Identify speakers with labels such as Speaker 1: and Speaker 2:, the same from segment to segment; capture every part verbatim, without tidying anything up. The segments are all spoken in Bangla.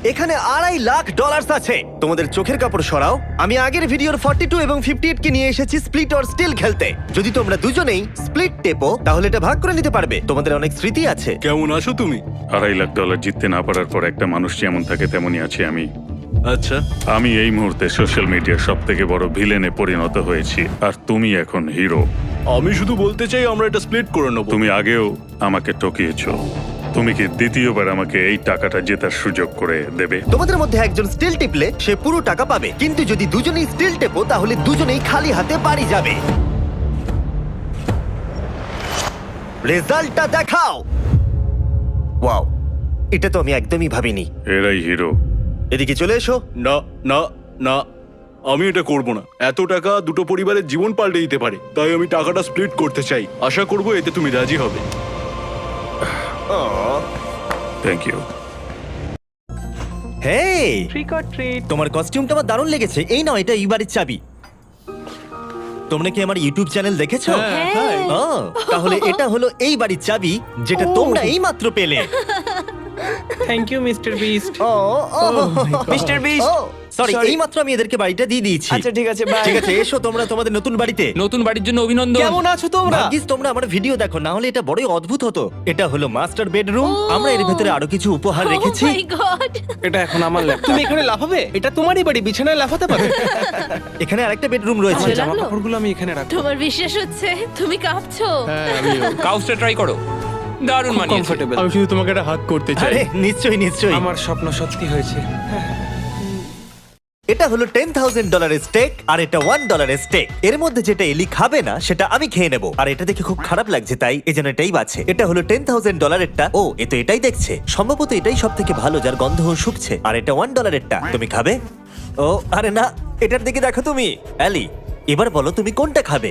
Speaker 1: এখানে আড়াই লাখ ডলার আছে। তোমাদের চোখের কাপড় সরাও। আমি আগের ভিডিওর ফর্টি টু এবং ফিফটি এইট কে নিয়ে এসেছি স্প্লিট অর স্টিল খেলতে। যদি তোমরা দুজনেই স্প্লিট টেপো তাহলে এটা ভাগ করে নিতে পারবে। তোমাদের অনেক স্মৃতি আছে।
Speaker 2: কেমন আছো তুমি?
Speaker 3: আড়াই লাখ ডলার জিততে না পারার পর একটা মানুষ যেমন থাকে তেমনই আছি আমি।
Speaker 2: আচ্ছা,
Speaker 3: আমি এই মুহূর্তে সোশ্যাল মিডিয়ার সব থেকে বড় ভিলেনে পরিণত হয়েছি, আর তুমি এখন হিরো।
Speaker 2: আমি শুধু বলতে চাই আমরা এটা স্প্লিট করে নেবো।
Speaker 3: তুমি আগেও আমাকে ঠকিয়েছো। তুমি কি দ্বিতীয়বার আমাকে এই টাকাটা জেতার সুযোগ করে দেবে?
Speaker 1: তোমাদের মধ্যে একজন স্টিল টিপলে সে পুরো টাকা পাবে, কিন্তু যদি দুজনেই স্টিল টেপো তাহলে দুজনেই খালি হাতে বাড়ি যাবে। রেজাল্টটা দেখাও। ওয়াও, এটা তো আমি একদমই ভাবিনি।
Speaker 3: এরাই হিরো।
Speaker 1: এদিকে চলে এসো।
Speaker 2: না না না, আমি এটা করব না। এত টাকা দুটো পরিবারের জীবন পাল্টে দিতে পারে, তাই আমি টাকাটা স্প্লিট করতে চাই। আশা করব এতে তুমি রাজি হবে।
Speaker 3: Thank you.
Speaker 1: Hey,
Speaker 4: trick or treat.
Speaker 1: তোমার কস্টিউমটা আমার দারুণ লেগেছে। এই নাও, এটা এই বাড়ির চাবি। তোমরা কি আমার ইউটিউব চ্যানেল দেখেছো?
Speaker 4: হ্যাঁ।
Speaker 1: ও, তাহলে এটা হলো এই বাড়ির চাবি, যেটা তোমরা এই মাত্র পেলে।
Speaker 4: Thank you mister Beast.
Speaker 1: ও
Speaker 4: মিস্টার বিস্ট।
Speaker 1: Sorry,
Speaker 4: Sorry.
Speaker 1: এই মাত্র আমি এদেরকে বাড়িটা দিয়ে দিয়েছি।
Speaker 4: আচ্ছা ঠিক আছে, বাই।
Speaker 1: ঠিক আছে, এসো তোমরা তোমাদের নতুন বাড়িতে।
Speaker 5: নতুন বাড়ির জন্য অভিনন্দন।
Speaker 4: কেমন আছো তোমরা?
Speaker 1: ভাগ্যিস তোমরা আমার ভিডিও দেখো, না হলে এটা বড়ই অদ্ভুত হতো। এটা হলো মাস্টার বেডরুম। আমরা এর ভেতরে আরো কিছু উপহার রেখেছি।
Speaker 6: Oh my God!
Speaker 4: এটা এখন আমার ল্যাপটপ। তুমি এখানে লাফাবে? এটা তোমারই বাড়ি, বিছানায় লাফাতে পারবে।
Speaker 1: এখানে আরেকটা বেডরুম রয়েছে।
Speaker 4: আমার
Speaker 6: ভালো
Speaker 4: জামা
Speaker 6: লাগলো?
Speaker 4: কাপড়গুলো আমি এখানে রাখবো।
Speaker 6: তোমার বিশ্বাস হচ্ছে তুমি কাঁপছো?
Speaker 4: হ্যাঁ, আমিও।
Speaker 5: কাউসটা ট্রাই করো, দারুণ মানিয়েছে।
Speaker 4: কমফোর্টেবল।
Speaker 2: আমি শুধু তোমাকে একটা হাত করতে
Speaker 1: আরে নিশ্চয়ই নিশ্চয়ই।
Speaker 4: আমার স্বপ্ন সত্যি হয়েছে।
Speaker 1: এটা হলো টেন থাউজেন্ড ডলারের স্টেক, আর এটা ওয়ান ডলারের স্টেক। এর মধ্যে যেটা এলি খাবে না সেটা আমি খেয়ে নেবো। আর এটা দেখে খুব খারাপ লাগছে, তাই এই জন্য এটাই বাছে। এটা হলো টেন থাউজেন্ড ডলারেরটা। ও, এ তো এটাই দেখছে। সম্ভবত এটাই সব থেকে ভালো, যার গন্ধ শুকছে। আর এটা ওয়ান ডলারেরটা। তুমি খাবে? ও আরে না, এটার দিকে দেখো তুমি। অ্যালি, এবার বলো তুমি কোনটা খাবে?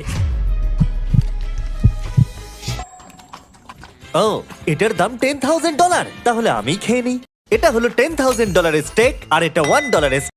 Speaker 1: ও, এটার দাম টেন থাউজেন্ড ডলার। তাহলে আমি খেয়ে নিই। এটা হলো টেন থাউজেন্ড ডলারের স্টেক, আর এটা ওয়ান ডলারের